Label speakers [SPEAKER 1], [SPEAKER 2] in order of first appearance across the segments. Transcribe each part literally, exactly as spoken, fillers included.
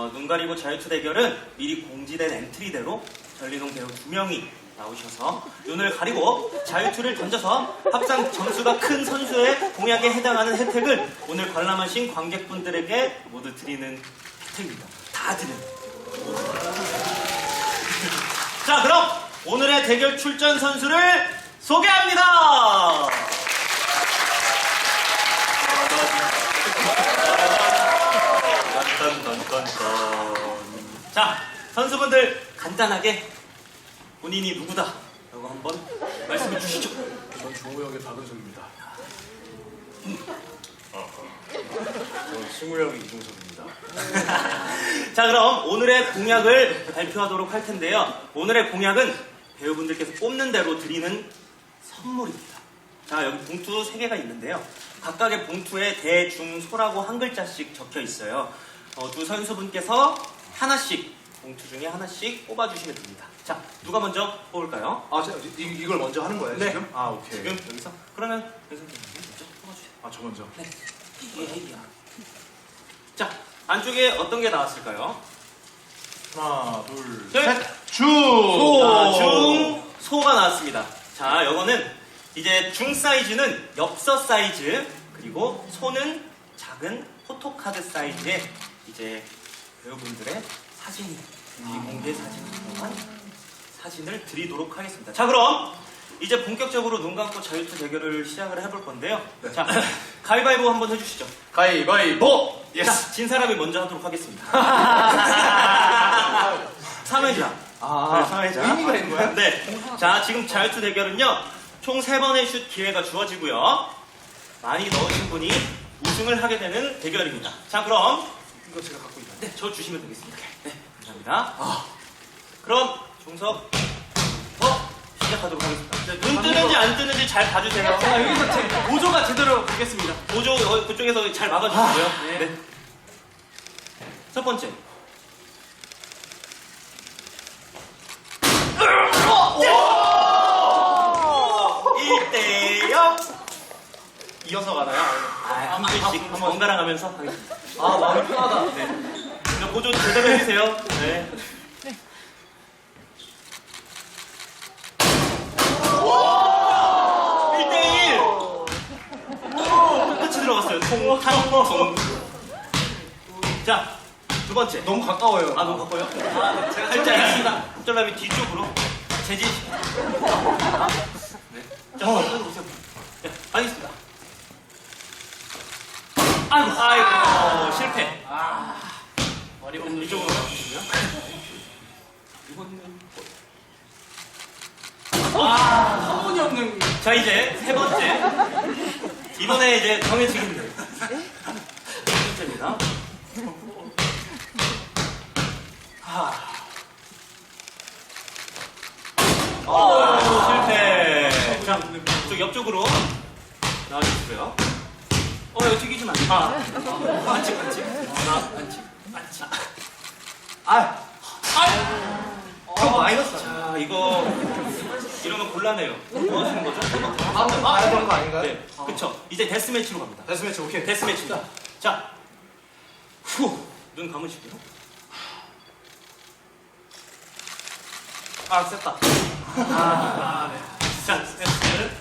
[SPEAKER 1] 어, 눈 가리고 자유투 대결은 미리 공지된 엔트리대로 전리동 배우 두 명이 나오셔서 눈을 가리고 자유투를 던져서 합산 점수가 큰 선수의 공약에 해당하는 혜택을 오늘 관람하신 관객분들에게 모두 드리는 혜택입니다. 다 드리는. 자, 그럼 오늘의 대결 출전 선수를 소개합니다. 자, 선수분들 간단하게 본인이 누구다 라고 한번 말씀해 주시죠.
[SPEAKER 2] 전 종우 형의 박은석입니다. 전 승우 형의 이종석입니다.
[SPEAKER 1] 자, 그럼 오늘의 공약을 발표하도록 할 텐데요. 오늘의 공약은 배우분들께서 뽑는 대로 드리는 선물입니다. 자, 여기 봉투 세 개가 있는데요. 각각의 봉투에 대, 중, 소라고 한 글자씩 적혀 있어요. 어, 두 선수분께서 하나씩, 봉투 중에 하나씩 뽑아주시면 됩니다. 자, 누가 먼저 뽑을까요?
[SPEAKER 2] 아, 저, 이, 이걸 먼저 하는 거예요,
[SPEAKER 1] 네.
[SPEAKER 2] 지금? 아, 오케이.
[SPEAKER 1] 지금 여기서? 그러면 선생님 먼저 뽑아주세요.
[SPEAKER 2] 아, 저 먼저.
[SPEAKER 1] 네. 예, 예. 자, 안쪽에 어떤 게 나왔을까요?
[SPEAKER 2] 하나, 둘,
[SPEAKER 1] 셋.
[SPEAKER 2] 셋. 주!
[SPEAKER 1] 자, 중, 소가 나왔습니다. 자, 요거는 이제 중 사이즈는 엽서 사이즈, 그리고 소는 작은 포토카드 사이즈의 이제 배우분들의 사진이, 비공개 사진이 들어간 사진을 드리도록 하겠습니다. 자, 그럼 이제 본격적으로 눈 감고 자유투 대결을 시작을 해볼 건데요.
[SPEAKER 2] 네.
[SPEAKER 1] 자, 가위바위보 한번 해주시죠.
[SPEAKER 2] 가위바위보! 예스!
[SPEAKER 1] 자, 진 사람이 먼저 하도록 하겠습니다. 삼 회자.
[SPEAKER 2] 아,
[SPEAKER 1] 삼 회자.
[SPEAKER 2] 의미가 있는 거야?
[SPEAKER 1] 네. 자, 지금 자유투 대결은요, 총 세 번의 슛 기회가 주어지고요. 많이 넣으신 분이 우승을 하게 되는 대결입니다. 자, 그럼
[SPEAKER 2] 이거 제가 갖고 있나요?
[SPEAKER 1] 네, 저 주시면 되겠습니다. 네, 감사합니다. 아, 그럼 종석 어 시작하도록 하겠습니다. 네, 눈 뜨는지 안 뜨는지 잘 봐주세요.
[SPEAKER 3] 자, 여기서 제 보조가 제대로 보겠습니다.
[SPEAKER 1] 보조 어, 그쪽에서 잘 막아주시고요.
[SPEAKER 3] 아, 네.
[SPEAKER 1] 네. 첫 번째. 일 대 영.
[SPEAKER 2] 이어서 가나요?
[SPEAKER 1] 아, 한 분씩 번갈아 가면서 하겠습니다.
[SPEAKER 3] 아, 마음이 편하다.
[SPEAKER 1] 네. 그럼 보조 제대로 해주세요. 네. 일 대 일. 똑같이 들어갔어요. 통, 탕, 통. 자, 두 번째.
[SPEAKER 2] 너무 가까워요.
[SPEAKER 1] 아, 너무 가까워요? 아, 제가 살짝 손절남이 뒤쪽으로 재진. 네. 자, 어. 보세요. 네, 알겠습니다. 아이고, 아이고, 실패.
[SPEAKER 3] 아, 머리 없는
[SPEAKER 1] 이쪽으로 가주시고요. 이거는.
[SPEAKER 3] 한 번이 없는.
[SPEAKER 1] 자, 이제 세 번째. 이번에 이제 정해지겠네요. 세 번째입니다. 하. 어, 실패. 자, 저 옆쪽으로 나와주시고요. 어, 여기 튀기지 마. 아, 반칙, 반칙. 하나, 반칙, 반칙.
[SPEAKER 3] 아,
[SPEAKER 1] 아,
[SPEAKER 2] 저 마이너스.
[SPEAKER 1] 자, 이거 이러면 곤란해요. 뭐 하시는 거죠?
[SPEAKER 2] 아, 가야 되는 거 아닌가요?
[SPEAKER 1] 네, 그쵸. 이제 데스매치로 갑니다.
[SPEAKER 2] 데스매치, 오케이.
[SPEAKER 1] 데스매치입니다. 자, 후, 눈 감으시고요. 아, 셌다. 아, 네. 자, 세트.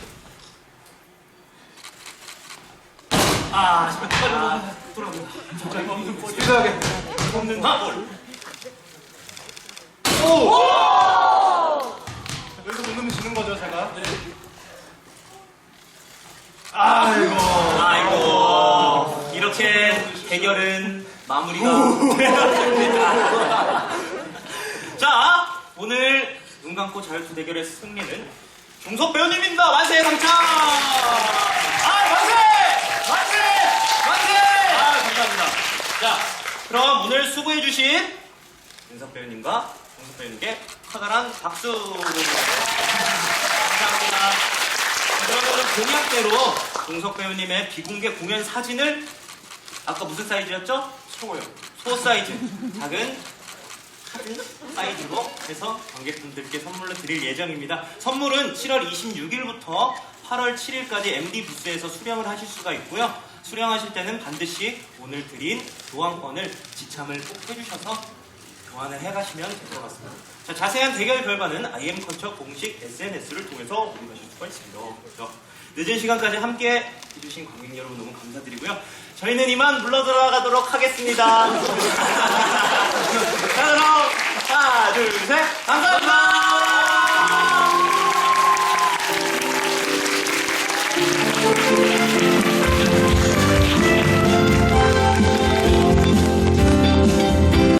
[SPEAKER 1] 아, 정말 빨리 돌아갑니다. 정말 없는 볼이
[SPEAKER 2] 스피드하게.
[SPEAKER 1] 없는 볼.
[SPEAKER 2] 오! 여기서 못 넣으면 지는 거죠, 제가? 네. 아이고.
[SPEAKER 1] 아이고, 이렇게 대결은 마무리가 되었습니다. 자, 오늘 눈 감고 자유투 대결의 승리는 종석 배우님입니다. 만세 당첨! 아, 만세! 만세! 만세! 아, 감사합니다. 자, 그럼 오늘 수고해주신 윤석 배우님과 종석 배우님께 커다란 박수! 감사합니다. 그러면 공약대로 종석 배우님의 비공개 공연 사진을 아까 무슨 사이즈였죠?
[SPEAKER 2] 소요.
[SPEAKER 1] 소 사이즈, 작은 사진 사이즈로 해서 관객분들께 선물로 드릴 예정입니다. 선물은 칠월 이십육일부터 팔월 칠일까지 엠디 부스에서 수령을 하실 수가 있고요. 수령하실 때는 반드시 오늘 드린 교환권을 지참을 꼭 해주셔서 교환을 해가시면 될 것 같습니다. 자, 자세한 대결 결과는 아이엠컬처 공식 에스엔에스를 통해서 확인하실 수가 있습니다. 그렇죠? 늦은 시간까지 함께 해주신 관객 여러분 너무 감사드리고요. 저희는 이만 물러 들어가도록 하겠습니다. 자, 그럼 하나, 둘, 셋, 감사합니다.